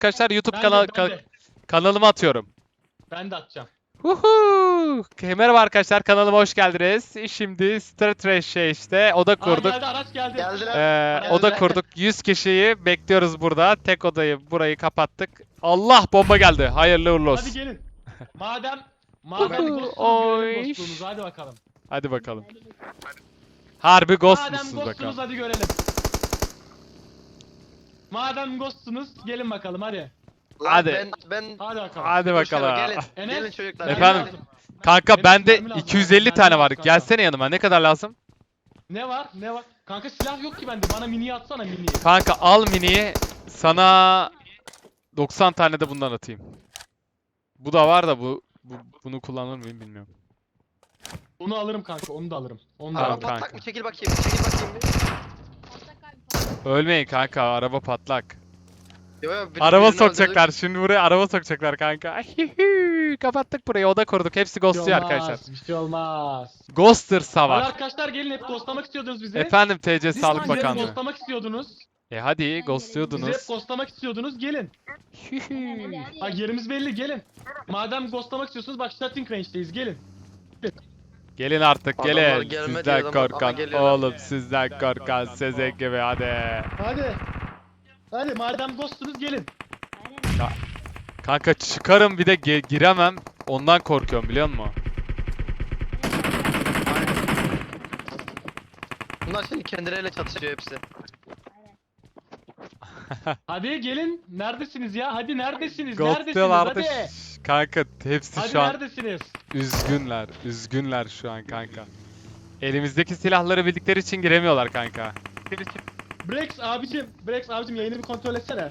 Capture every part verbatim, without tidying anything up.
arkadaşlar YouTube Ben kanal de, ben ka- de. kanalıma atıyorum. Ben de atacağım. Huhu! Merhaba arkadaşlar, kanalıma hoş geldiniz. Şimdi Star Trash'e işte oda Aa kurduk. geldi, araç geldi. Geldiler. Ee, Geldiler. oda kurduk. yüz kişiyi bekliyoruz burada. Tek odayı burayı kapattık. Allah, bomba geldi. Hayırlı uğurlu olsun. Hadi gelin. Madem madem Uhu, ghostunuz, oy. görelim ghostluğunuzu. Hadi bakalım. Hadi bakalım. Harbi ghost Madem musunuz ghostunuz bakalım. hadi görelim. Madem ghostunuz gelin bakalım hadi. Lan Hadi. Ben, ben Hadi bakalım. Hadi Boşver, bakalım. Gelin. Enes, Gelin çocuklar. Efendim? gelin. Kanka Benim bende mermi lazım, iki yüz elli mermi tane lazım var. kanka. Gelsene yanıma. Ne kadar lazım? Ne var? Ne var? Kanka silah yok ki bende. Bana miniyi atsana miniyi. Kanka al miniyi. Sana doksan tane de bundan atayım. Bu da var da bu, bu bunu kullanır mıyım bilmiyorum. Onu alırım kanka. Onu da alırım. Onu da Tamam, Araba alırım. kanka. patlak mı? Çekil bakayım. Çekil bakayım. bir. Ölmeyin kanka, araba patlak. Yo, yo, bir- Araba birini sokacaklar. öldürdük. Şimdi buraya araba sokacaklar kanka. Kapattık burayı, oda kurduk. Hepsi Bir şey ghostluyor olmaz, arkadaşlar. Bir şey olmaz. Ghoster'sa Hadi var. arkadaşlar gelin, hep ghostlamak istiyordunuz bizi. Efendim T C Siz Sağlık bizi hep Bakanlığı. ghostlamak istiyordunuz. E hadi Bizi hep ghostluyordunuz. ghostlamak istiyordunuz. Gelin. Bak yerimiz belli, gelin. Madem ghostlamak istiyorsunuz bak shooting range'deyiz, gelin. Gelin artık, Adamlar gelin. gelmedi Sizden adamlar, ama korkan geliyorlar. oğlum, sizden korkan Sezek gibi hadi. Hadi. Hadi madem ghostunuz gelin. Kanka çıkarım bir de ge- giremem. Ondan korkuyorum, biliyor musun? Bunlar şimdi kendileriyle çatışıyor hepsi. Hadi gelin. Neredesiniz ya? Hadi neredesiniz? Neredesiniz? Ghostluyorlardı. Hadi. Şş, Kanka hepsi Hadi şu an neredesiniz? üzgünler. Üzgünler şu an kanka. Elimizdeki silahları bildikleri için giremiyorlar kanka. Brex abicim, Brex abicim yayını bir kontrol etsene.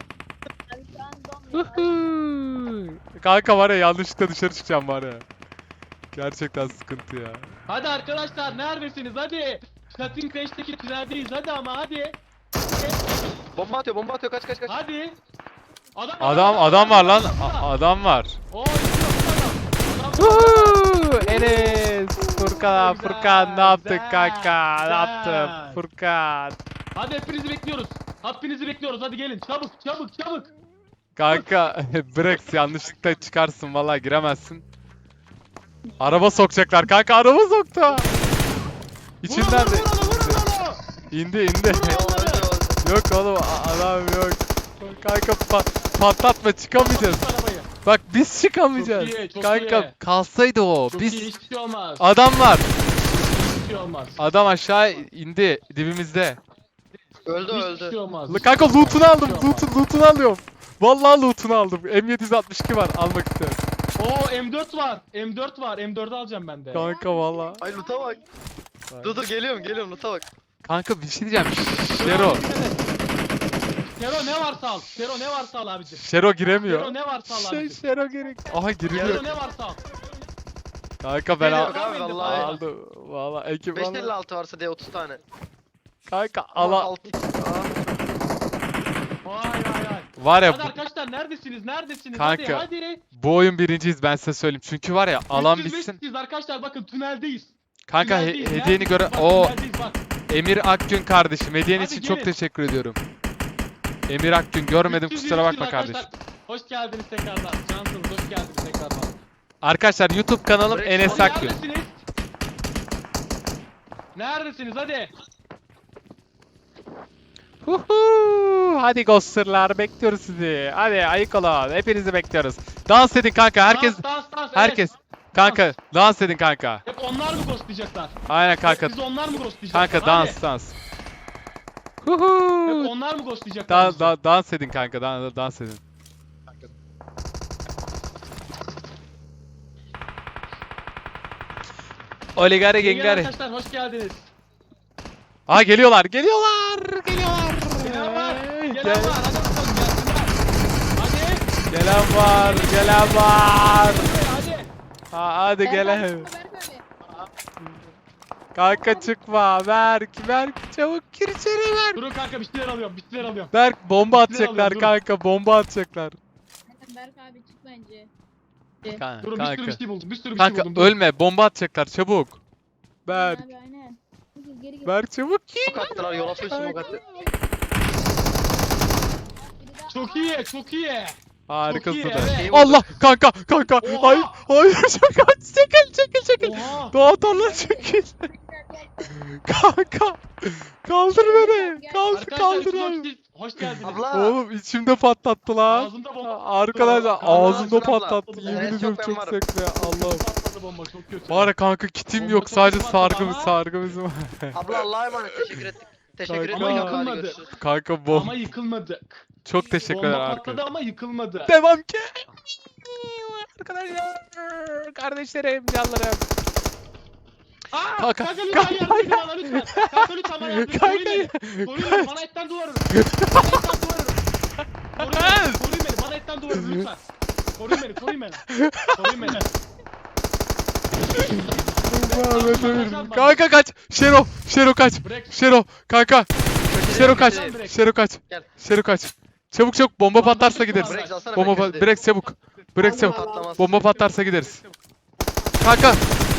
Kanka var ya, yanlışlıkla dışarı çıkacağım var ya. Gerçekten sıkıntı ya. Hadi arkadaşlar neredesiniz? Hadi. Shooting range'deki tüneldeyiz. Hadi ama hadi. Bomba atıyor, bomba atıyor. Kaç kaç kaç. Hadi. Adam Adam adam var lan. burada. A- adam var. Oo, işte adam. Adam. Woohoo! Enes, Furkan, Güzel, Furkan ne yaptık güzel, kanka? Ne güzel. yaptın Furkan? Hadi hepinizi bekliyoruz. Hepinizi bekliyoruz. Hadi gelin. Çabuk, çabuk, çabuk. Kanka bırak, yanlışlıkla çıkarsın vallahi, giremezsin. Araba sokacaklar kanka, araba soktu. Vur İçinden onu, de vur onu, vur onu. indi indi. Vur onu. Öldü, öldü. Yok oğlum, a- adam yok. Kanka pa- patlatma, çıkamayacağız. Patlat arabayı. Bak biz çıkamayacağız. Çok iyi, çok Kanka iyi. kalsaydı o. Çok Biz iyi, hiçbir şey olmaz. adam var. Hiçbir şey olmaz. Adam aşağı indi dibimizde. Öldü, Hiçbir öldü. şey olmaz. L- Kanka loot'unu aldım. Hiçbir şey olmaz. Loot'unu loot'unu alıyorum. Vallahi loot'unu aldım. M yedi altmış iki var, almak istiyorum. Oo M dört var. M dört var. M dört'ü alacağım ben de. Kanka vallahi. Ay loot'a bak. Dur dur geliyorum geliyorum loot'a bak. Kanka bir şey diyeceğim. Şero. Şero ne varsa al. Şero ne varsa al abicim. Şero giremiyor. Şero ne varsa al Şey, abicim. Şero gerek. Aha Şero giriliyor. ne varsa al. Kanka ben Geliyor al abi vallahi. aldım. Vallahi ekip beş aldım. elli altı varsa diye otuz tane. Kanka Ama ala altı- Aa, Vay vay vay. var ya Hadi bu, arkadaşlar neredesiniz? Neredesiniz? Kanka, Hadi hadi. bu oyun birinciyiz, ben size söyleyeyim. Çünkü var ya, alan üç yüz bitsin. beş yüz arkadaşlar bakın tüneldeyiz. Kanka he- Tüneldeyiz, hediyeni neredeyiz? göre. Bak, O tüneldeyiz, bak. Emir Akgün kardeşim, hediyen Hadi için çok gelin. teşekkür ediyorum. Emir Akgün görmedim, üç yüz kusura yirmi bakma arkadaşlar. kardeşim. Hoş geldiniz tekrardan. Cansınız, hoş geldiniz tekrardan. Arkadaşlar YouTube kanalım Break Enes Hadi Akgün. Neredesiniz? Neredesiniz? Hadi. Huhu! Hadi Ghoster'lar, bekliyoruz sizi. Hadi ayık olun, hepinizi bekliyoruz. Dans edin kanka, herkes Dans, dans, dans, evet. herkes. Kanka dans edin kanka. Hep onlar mı ghostlayacaklar? Aynen kanka. Hep biz onlar mı ghostlayacaklar? Kanka Hadi. dans dans. Hep Huhu! onlar mı ghostlayacaklar? Da, bizi? da, dans edin kanka, dans, dans edin. Oligari Gelin gengari. arkadaşlar hoş geldiniz. Aa geliyorlar, geliyorlar, geliyorlar. Gelen var, Hey, gelen gel- var. Hadi bakalım gelsinler. Hadi. Gelen var, gelen var. Hadi. Ha, hadi gelen. Berk abi. Kanka çıkma, Berk, Berk çabuk gir içeri Berk. Durun kanka bir şeyler alıyorum, bir şeyler alıyorum. Berk bomba Bir şeyler atacaklar alıyorum, kanka, bomba atacaklar. Berk abi çık bence. Kanka, Durun bir sürü bir kanka. şey buldum, bir sürü bir şey Kanka buldum. Durun. ölme, bomba atacaklar çabuk. Berk, Abi aynen. Geri geri. Berk çabuk gir. Smoke attılar yola full smoke attı. Biri Çok iyi, çok iyi. Harikasın. iyi, da. evet. Allah kanka kanka. Oha. Hayır hayır çekil çekil çekil çekil. Oha. Doğa tarla çekil. Kanka. Kaldır beni. Kaldır Arkadaşlar kaldır üstüne abi. hoş, hoş geldiniz. Abla. Oğlum içimde patlattı lan. Ağzında bomba. Arkadaşlar Aa, ağzımda abla. patlattı. Yemin Evet, ediyorum çok ben çok varım. zevkli. Allah'ım. Patladı bomba çok kötü. Var ya kanka kitim Bomba yok çok sadece patladı sargımız ama- sargımız var. Abla Allah'a emanet teşekkür ettik. Teşekkür Kanka. ederim. Ama Hadi yıkılmadı. görüşürüz. Kanka bom. Ama yıkılmadık. Çok teşekkürler Bomba arkadaşlar. patladı ama yıkılmadı. Devam ki. Arkadaşlar. Kardeşlerim, canlarım. Aa, Kanka, kanka lütfen kanka, yardım edin bana lütfen. Kanka lütfen bana yardım edin. Kanka. Koruyun beni. Koruyun beni. Bana etten duvarım. Bana etten duvarım. Koruyun beni. Koruyun beni. Bana etten duvarım lütfen. Koruyun beni. Koruyun beni. Koruyun beni. Muhammed Emir. Kanka kaç. Şero. Şero kaç. Bırak. Şero. Kanka. Şero kaç. Kaçırayım. Şero kaç. Gel. Şero kaç. Çabuk çabuk bomba patlarsa gideriz. Break alsana Bomba bekle pat. Break çabuk. Break çabuk. Patlamaz. Bomba patlarsa gideriz. Kanka.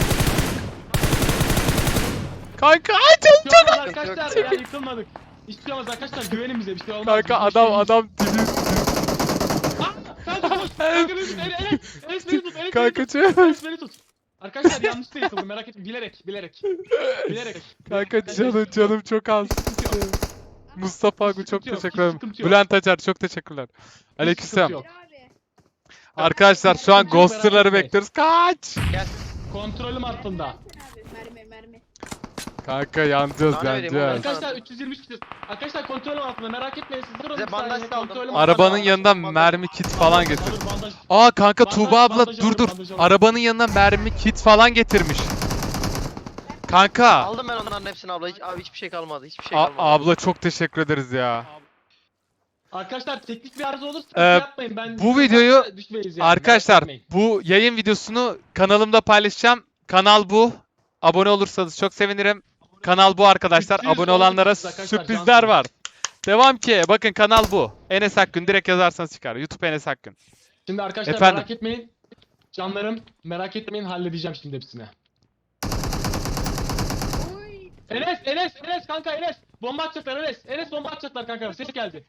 Kanka ay çabuk çabuk. Yıkılmadık arkadaşlar ya yıkılmadık. Hiçbir şey olmaz arkadaşlar güvenin bize bir şey olmaz. Kanka Bir adam şey- adam dibi. Aa, Kanka koş. Kanka beni tut. Enes Enes Enes beni tut. Enes beni Kanka tut. çabuk. Enes beni tut. Arkadaşlar yanlışlıkla yıkıldım merak etmeyin bilerek bilerek. Bilerek. Kanka canım canım çok az. Mustafa Agu çok Sıkıntı yok, teşekkür ederim. sıkıntı yok. Bülent Acar çok teşekkürler. sıkıntı Aleykümselam. yok. Abi. Arkadaşlar şu an Sıkıntı yok, ghoster'ları merak etmeyin. bekliyoruz. Kaç. Kontrolüm altında. Abi mermi mermi. Kanka yanacağız Sana vereyim yanacağız. oğlum. Arkadaşlar üç yüz yirmi üç kişi. Arkadaşlar kontrolüm altında merak etmeyin siz durun Bize bir saniye, bandaj saldım. kontrolüm Arabanın altında. yanından bandaj- mermi kit falan Bandaj- getir. bandaj- Aa kanka Bandaj- Tuğba abla bandaj dur alın, dur. bandaj alın. Arabanın yanından mermi kit falan getirmiş. Kanka. Aldım ben onların hepsini abla. Hiç, abi hiçbir şey kalmadı. Hiçbir şey A- kalmadı. abla çok teşekkür ederiz ya. Arkadaşlar teknik bir arıza olursa Ee, yapmayın. Ben bu videoyu düşmeyiz yani, Arkadaşlar merak etmeyin. bu yayın videosunu kanalımda paylaşacağım. Kanal bu. Abone olursanız çok sevinirim. Kanal bu arkadaşlar. Sürpriz Abone olanlara oldu arkadaşlar, sürprizler cansınız. var. Devam ki. Bakın kanal bu. Enes Akgün direkt yazarsanız çıkar. YouTube Enes Akgün. Şimdi arkadaşlar Efendim? merak etmeyin. Canlarım merak etmeyin halledeceğim şimdi hepsini. Oy. Enes Enes Enes kanka Enes. Bomba atacaklar Enes. Enes bomba atacaklar kanka. Ses geldi.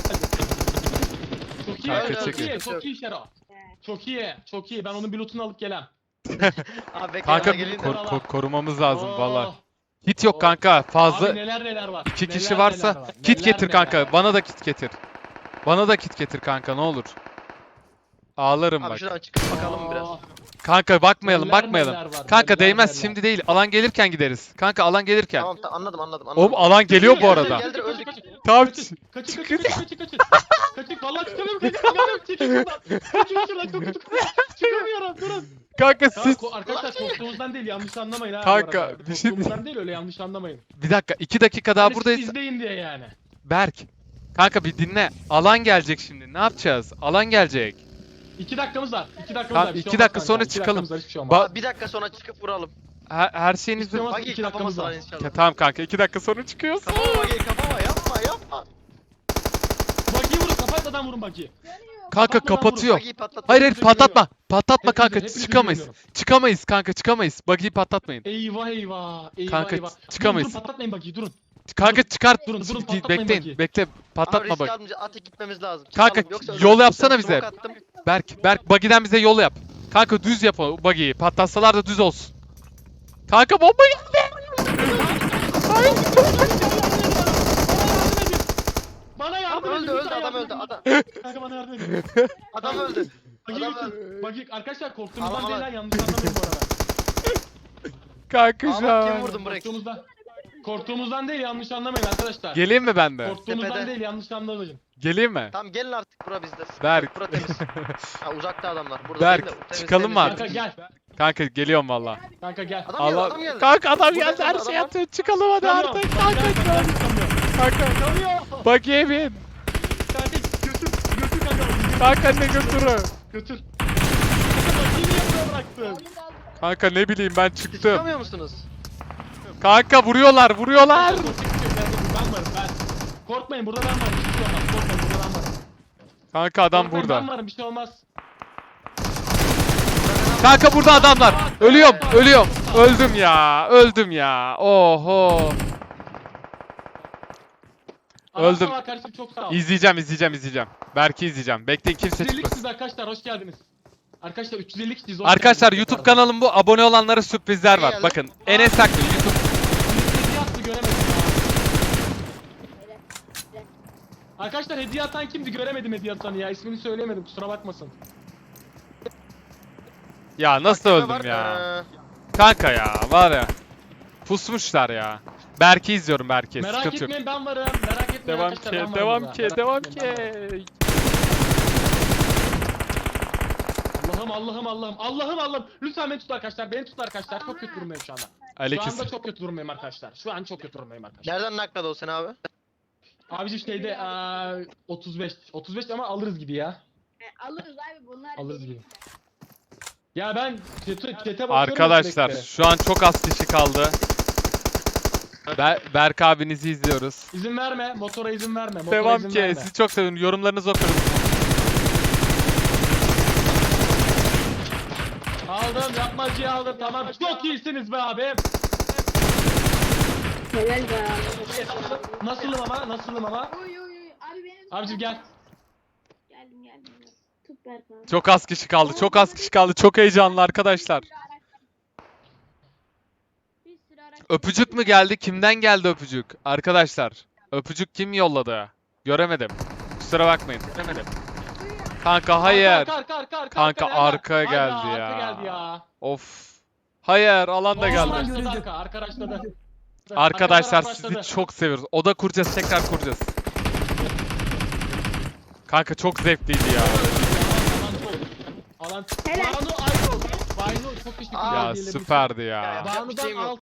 Çok iyi, Kanka, çok çekin. iyi, çok iyi Şero. Çok iyi, çok iyi. Ben onun bir lootunu alıp gelem. Abi bekle Kanka yana geleyim de. ko- ko- korumamız lazım Oo. valla. Hit yok Oo. kanka. Fazla Abi neler neler var. iki neler kişi varsa neler var, kit neler getir neler kanka. var. Bana da kit getir. Bana da kit getir kanka ne olur. Ağlarım Abi bak. şuradan çıkıp bakalım biraz. Aa, Kanka bakmayalım neler bakmayalım. neler var, Kanka neler değmez neler. şimdi değil. Alan gelirken gideriz. Kanka alan gelirken. Tamam ta- anladım anladım anladım. Oğlum alan geliyor bu Kaçın, arada. Geldir, öldük. kaçın, Tamam. Kaçın, kaçın, kaçın, kaçın, kaçın, kaçın. Kaçın, vallahi çıkamıyorum, kaçın, çıkamıyorum, çekil şuradan. Çekil şuradan, çok kötü. Çıkamıyorum, durun. Kanka Tamam, siz ko- arkadaşlar korktuğumuzdan değil, yanlış anlamayın ha. bu Kanka, arada. bir şey Korktuğumuzdan değil, öyle yanlış anlamayın. bir dakika iki dakika daha Hani siz buradayız. izleyin diye yani. Berk. Kanka bir dinle. Alan gelecek şimdi. Ne yapacağız? Alan gelecek. İki dakikamız var, iki dakikamız Tamam, var. bir şey iki olmaz dakika kanka, sonra iki çıkalım. dakikamız var, hiçbir şey olmaz. Ba- Abi bir dakika sonra çıkıp vuralım. her, her şeyinizi... İstemez- Bagi iki dakikamız kafamız var. var inşallah. Ya, tamam kanka iki dakika sonra çıkıyoruz. Kafama Bagi kafama yapma yapma. Bagiyi vurun, kapatmadan vurun bagiyi. Kanka Kapatmadan kapatıyor. Bagiyi patlat. Hayır hayır Hepinizi patlatma. Patlatma Hepinizi- kanka hepinizi çıkamayız. görüyorum. Çıkamayız kanka çıkamayız. Buggy'yi patlatmayın. Eyvah eyvah, eyvah Kanka, eyvah. çıkamayız. Durun, durun, patlatmayın bagiyi, durun. Kanka çıkar. durun, durun, Gi- patlatmayın Bekleyin. Buggy'yi. Bekle. Ama Patlatma risk bak. almayınca atıp gitmemiz lazım. Kanka, Çıkalım, yoksa yol ölürüz. yapsana Ben bize. smoke attım. Berk, Berk buggy'den bize yol yap. Kanka düz yap o buggy'yi. Patlatsalar da düz olsun. Kanka bomba geldi. Bana yardım Adam edin. öldü öldü lütfen adam yardım öldü edin. adam. Kanka bana yardım edin. Adam öldü. Bagi Adam götür. Bagi arkadaşlar korktuğumuzdan Aman değil aman. lan yanlış anlamayın bu arada. Kanka şu Ama kim an. vurdun Brex? Korktuğumuzdan. Korktuğumuzdan değil yanlış anlamayın arkadaşlar. Geleyim mi ben de? Korktuğumuzdan Tepede. değil yanlış anlamayın. Geleyim mi? Tamam gelin artık bura bizde. Berk. Bura temiz. Ha uzakta adamlar. Burada Berk, değil de temiz, çıkalım temiz, mı temiz. Kanka gel. Kanka geliyorum valla. Kanka gel. Adam geldi Allah. adam geldi. Kanka adam Burada geldi her adam şey var. yaptı. Çıkalım hadi Çıkamıyorum. artık. Bak, Kanka. gel, kanka, çıkamıyorum. Kanka. Çıkamıyor. Buggy'ye bin. Kanka götür. Götür kanka. Götür. Kanka ne götürü? Götür. Kanka bagiyi niye buraya bıraktın? Aldım aldım. Kanka ne bileyim ben Siz çıktım. çıkamıyor musunuz? Kanka vuruyorlar vuruyorlar. Ben varım ben. Korkmayın burada ben varım. Bir şey olmaz. Korkmayın burada ben varım. Kanka adam Korkmayın, burada. Ben varım bir şey olmaz. Kanka burada adamlar. Ölüyorum, ölüyorum. Öldüm ya, öldüm ya. Oho. Allah'a Öldüm. emanet kardeşim, çok sağ ol. İzleyeceğim, izleyeceğim, izleyeceğim. Berk'i izleyeceğim. Bekleyin kimse üç yüz elli çıkmasın. kişiyiz arkadaşlar, hoş geldiniz. Arkadaşlar üç yüz elli kişiyiz. hoş Arkadaşlar geldiniz. YouTube kanalım bu. Abone olanlara sürprizler var. Geldi. Bakın Enes Akgül YouTube. Hediye attı, göremedim ya. Helal. Helal. Arkadaşlar hediye atan kimdi, göremedim hediye atanı ya. İsmini söyleyemedim, kusura bakmasın. Ya nasıl Tepe öldüm var. ya? Ee, Kanka ya var ya. Pusmuşlar ya. Berk'i izliyorum Berk'i. Merak Sıkıntı yok. etmeyin, ben varım. Merak etmeyin Devam arkadaşlar, ki, ben varım devam burada. ki, Merak devam etmeyin, ben varım. ki. Allah'ım Allah'ım Allah'ım Allah'ım Allah'ım. Lütfen beni tut arkadaşlar. Beni tut arkadaşlar. Çok kötü durumdayım şu anda. Şu Aleyküm. anda çok kötü durumdayım arkadaşlar. Şu an çok kötü durumdayım arkadaşlar. Nereden nakladı o seni abi? Abicim şeyde eee, otuz beş. otuz beş ama alırız gibi ya. E, alırız abi bunlar. Alırız deli. gibi. Ya ben chat'e chat'e bakıyorum Arkadaşlar sürekli. şu an çok az kişi kaldı. Ber Berk abinizi izliyoruz. İzin verme. Motora izin verme. Motora Devam izin ki. verme. Sizi çok seviyorum. Yorumlarınızı okuyorum. Aldım. Yapmacıyı aldım. Tamam. Çok iyisiniz be abi. Helal be. Nasılım ama? Nasılım ama? Oy oy oy. Abi benim. Abicim gel. Geldim geldim. Tut Berk abi. Çok az kişi kaldı. Çok az kişi kaldı. Çok heyecanlı arkadaşlar. Bir sürü araç var. Bir sürü araç var. Öpücük mü geldi? Kimden geldi öpücük? Arkadaşlar, öpücük kim yolladı? Göremedim. Kusura bakmayın. Göremedim. Kanka hayır. Arka, arka, arka, arka, Kanka, arka, arka Hayda, geldi arka ya. geldi ya. Of. Hayır, alan da Arka geldi. başladı, Arka, arka başladı. Arkadaşlar Arka sizi başladı. çok seviyoruz. Oda kuracağız, tekrar kuracağız. Kanka çok zevkliydi ya. Alan. Helal. Banu Aydol. Banu çok teşekkür ederim. Aa, Ya hediyelerin için. süperdi ya. Ya, Banu'dan Bir şeyim yok. altı